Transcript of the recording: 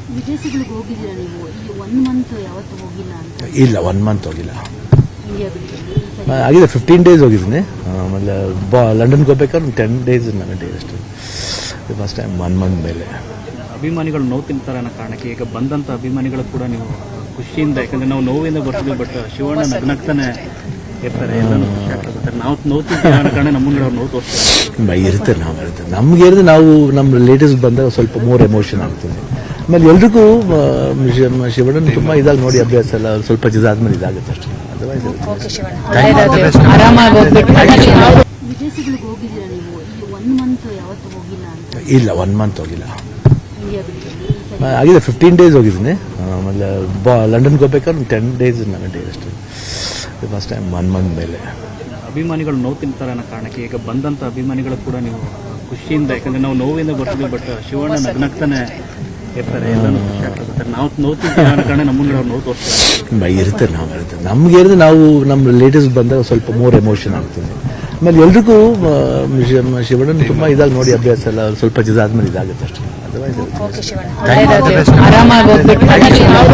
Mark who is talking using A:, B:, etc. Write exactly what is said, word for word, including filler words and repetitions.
A: ವಿದೇಶಗಳಿಗೆ ಹೋಗಿದ್ದೀರಾ ನೀವು? ಈ ಒನ್ ಮಂತ್ ಯಾವತ್ತು ಹೋಗಿಲ್ಲ ಅಂತ?
B: ಇಲ್ಲ, ಒನ್ ಮಂತ್ ಹೋಗಿಲ್ಲ,
A: ಇಂಡಿಯಾ ಬಿಟ್ಟು
B: ಆಗಿದೆ ಫಿಫ್ಟೀನ್ ಡೇಸ್ ಹೋಗಿದ್ದೀನಿ. ಆಮೇಲೆ ಬಾ ಲಂಡನ್ಗೆ ಹೋಗ್ಬೇಕಾದ್ರೆ ಒಂದು ಟೆನ್ ಡೇಸ್ ನನ್ನ ಡೇ ಅಷ್ಟೇ. ಫಸ್ಟ್ ಟೈಮ್ ಒನ್ ಮಂತ್ ಮೇಲೆ.
C: ಅಭಿಮಾನಿಗಳು ನೋವು ತಿಂತಾರೆ ಅನ್ನೋ ಕಾರಣಕ್ಕೆ ಈಗ ಬಂದಂಥ ಅಭಿಮಾನಿಗಳು ಕೂಡ ನೀವು ಖುಷಿಯಿಂದ, ಯಾಕಂದರೆ ನಾವು ನೋವಿಂದ ಬರ್ತೀವಿ, ಬಟ್ ಶಿವಣ್ಣ ನಗ್ನಗ್ತಾನೆ ಇರ್ತಾರೆ, ಎಲ್ಲನೂ ಖುಷಿ ಆಗ್ತದೆ. ನಾವು ನೋವು ತಿಂತೀವಿ ಅನ್ನೋ ಕಾರಣ ನಮ್ಮನ್ನು ಅವ್ರು ನೋವು ತೋರಿಸ್ತಾರೆ.
B: ಇರುತ್ತೆ, ನಾವು ಇರುತ್ತೆ ನಮ್ಗೆ ಇருந்து ನಾವು ನಮ್ಮ ರಿಲೇಟಿವ್ಸ್ ಬಂದಾಗ ಸ್ವಲ್ಪ ಮೋರ್ ಎಮೋಷನ್ ಆಗ್ತದೆ. ಆಮೇಲೆ ಎಲ್ರಿಗೂ ಶಿವಣ್ಣನ ತುಂಬ ಇದಾಗಿ ನೋಡಿ ಅಭ್ಯಾಸ ಎಲ್ಲ ಸ್ವಲ್ಪ ಇದಾದ್ಮೇಲೆ ಇದಾಗುತ್ತೆ ಅಷ್ಟೇ. ಅದರ್ವೈಸ್
A: ವಿದೇಶಗಳಿಗೆ ಹೋಗಿದ್ದೀರಾ ನೀವು? ಈ ಒನ್ ಮಂತ್ ಯಾವತ್ತು ಹೋಗಿಲ್ಲ ಅಂತ?
B: ಇಲ್ಲ, ಒನ್ ಮಂತ್ ಹೋಗಿಲ್ಲ,
A: ಇಂಡಿಯಾ ಬಿಟ್ಟು
B: ಆಗಿದೆ ಫಿಫ್ಟೀನ್ ಡೇಸ್ ಹೋಗಿದ್ದೀನಿ. ಆಮೇಲೆ ಬಾ ಲಂಡನ್ಗೆ ಹೋಗ್ಬೇಕಾದ್ರೆ ಒಂದು ಟೆನ್ ಡೇಸ್ ನನ್ನ ಡೇ ಅಷ್ಟೇ. ಫಸ್ಟ್ ಟೈಮ್ ಒನ್ ಮಂತ್ ಮೇಲೆ.
C: ಅಭಿಮಾನಿಗಳು ನೋವು ತಿಂತಾರೆ ಅನ್ನೋ ಕಾರಣಕ್ಕೆ ಈಗ ಬಂದಂಥ ಅಭಿಮಾನಿಗಳು ಕೂಡ ನೀವು ಖುಷಿಯಿಂದ, ಯಾಕಂದರೆ ನಾವು ನೋವಿಂದ ಬರ್ತೀವಿ, ಬಟ್ ಶಿವಣ್ಣ ನಗ್ನಗ್ತಾನೆ ಇರ್ತಾರೆ, ಎಲ್ಲನೂ ಖುಷಿ ಆಗ್ತದೆ. ನಾವು ನೋವು ತಿಂತೀವಿ ಅನ್ನೋ ಕಾರಣ ನಮ್ಮನ್ನು ಅವ್ರು ನೋವು ತೋರಿಸ್ತಾರೆ.
B: ಇರುತ್ತೆ, ನಾವು ಇರುತ್ತೆ ನಮ್ಗೆ ಇருந்து ನಾವು ನಮ್ಮ ರಿಲೇಟಿವ್ಸ್ ಬಂದಾಗ ಸ್ವಲ್ಪ ಮೋರ್ ಎಮೋಷನ್ ಆಗ್ತದೆ. ಆಮೇಲೆ ಎಲ್ರಿಗೂ ಶಿವಣ್ಣನ ತುಂಬ ಇದಾಗಿ ನೋಡಿ ಅಭ್ಯಾಸ ಎಲ್ಲ ಸ್ವಲ್ಪ ಇದಾದ್ಮೇಲೆ ಇದಾಗುತ್ತೆ ಅಷ್ಟೇ. ಅದರ್ವೈಸ್